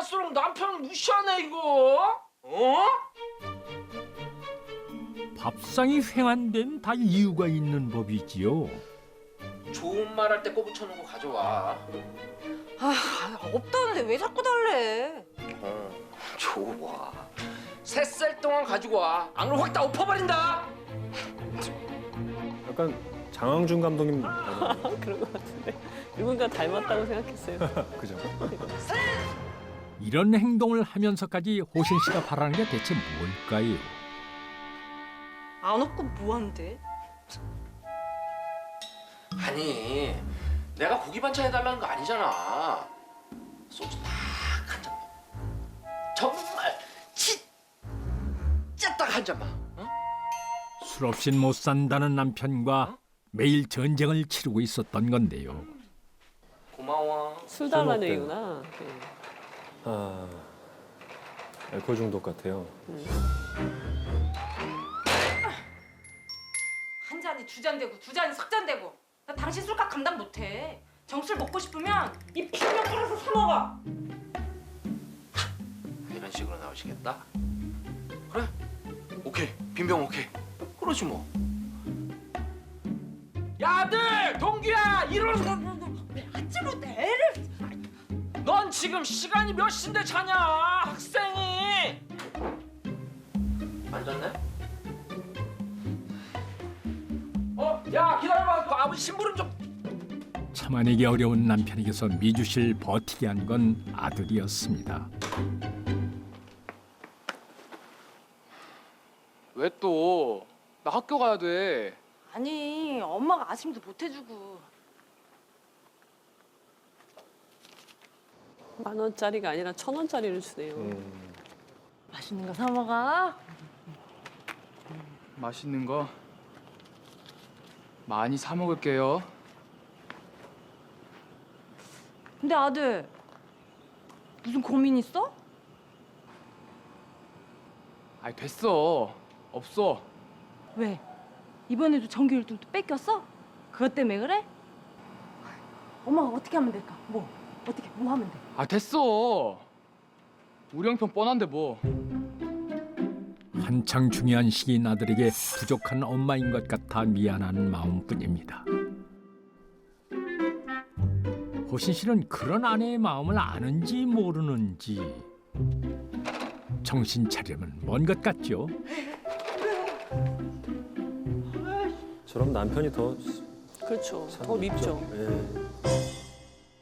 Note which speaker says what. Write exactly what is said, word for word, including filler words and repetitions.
Speaker 1: 갈수록 남편 무시하네 이거. 어?
Speaker 2: 밥상이 횡한 데는 다 이유가 있는 법이지요.
Speaker 1: 좋은 말 할 때 꼬부쳐놓은 거 가져와.
Speaker 3: 아, 없다는데 왜 자꾸 달래?
Speaker 1: 어, 좋아. 세 살 동안 가지고 와. 안 그러면 확 다 엎어버린다.
Speaker 4: 약간 장항준 감독님
Speaker 5: 그런 것 같은데 누군가 닮았다고 생각했어요.
Speaker 4: 그죠?
Speaker 2: 이런 행동을 하면서까지 호신 씨가 바라는 게 대체 뭘까요?
Speaker 3: 안 없고 뭐한데?
Speaker 1: 아니, 내가 고기 반찬 해달라는 거 아니잖아. 소주 딱 한 잔만. 정말 진짜 딱 한 잔만. 어?
Speaker 2: 술 없인 못 산다는 남편과 매일 전쟁을 치르고 있었던 건데요.
Speaker 1: 고마워.
Speaker 5: 술 달라는
Speaker 4: 먹대요.
Speaker 5: 얘기구나. 네.
Speaker 4: 아, 알코올 중독 같아요.
Speaker 3: 한 잔이 두 잔 되고 두 잔이 석 잔 되고. 나 당신 술값 감당 못해. 정술 먹고 싶으면 이 빈병 끓여서 사 먹어.
Speaker 1: 이런 식으로 나오시겠다? 그래? 오케이. 빈병 오케이. 그러지 뭐. 야, 아들! 동규야! 일어나!
Speaker 3: 왜 아찔로 애를...
Speaker 1: 넌 지금 시간이 몇 시인데 자냐? 학생이! 앉았네? 어? 야, 기다려봐. 그 아버지 심부름 좀...
Speaker 2: 참아내기 어려운 남편에게서 미주실 버티게 한 건 아들이었습니다.
Speaker 6: 왜 또? 나 학교 가야 돼.
Speaker 3: 아니, 엄마가 아침도 못 해주고.
Speaker 5: 만 원짜리가 아니라 천 원짜리를 주네요.
Speaker 4: 음,
Speaker 3: 맛있는 거 사 먹어.
Speaker 6: 맛있는 거 많이 사 먹을게요.
Speaker 3: 근데 아들, 무슨 고민 있어?
Speaker 6: 아이 됐어. 없어.
Speaker 3: 왜? 이번에도 정규 일 등 또 뺏겼어? 그것 때문에 그래? 엄마가 어떻게 하면 될까? 뭐? 어떻게 뭐 하면 돼?
Speaker 6: 아 됐어. 우리 형편 뻔한데 뭐.
Speaker 2: 한창 중요한 시기인 아들에게 부족한 엄마인 것 같아 미안한 마음뿐입니다. 호신 씨는 그런 아내의 마음을 아는지 모르는지 정신 차리면 먼 것 같죠.
Speaker 4: 저럼 남편이 더
Speaker 5: 그렇죠.
Speaker 4: 참
Speaker 5: 더 밉죠.
Speaker 4: 예.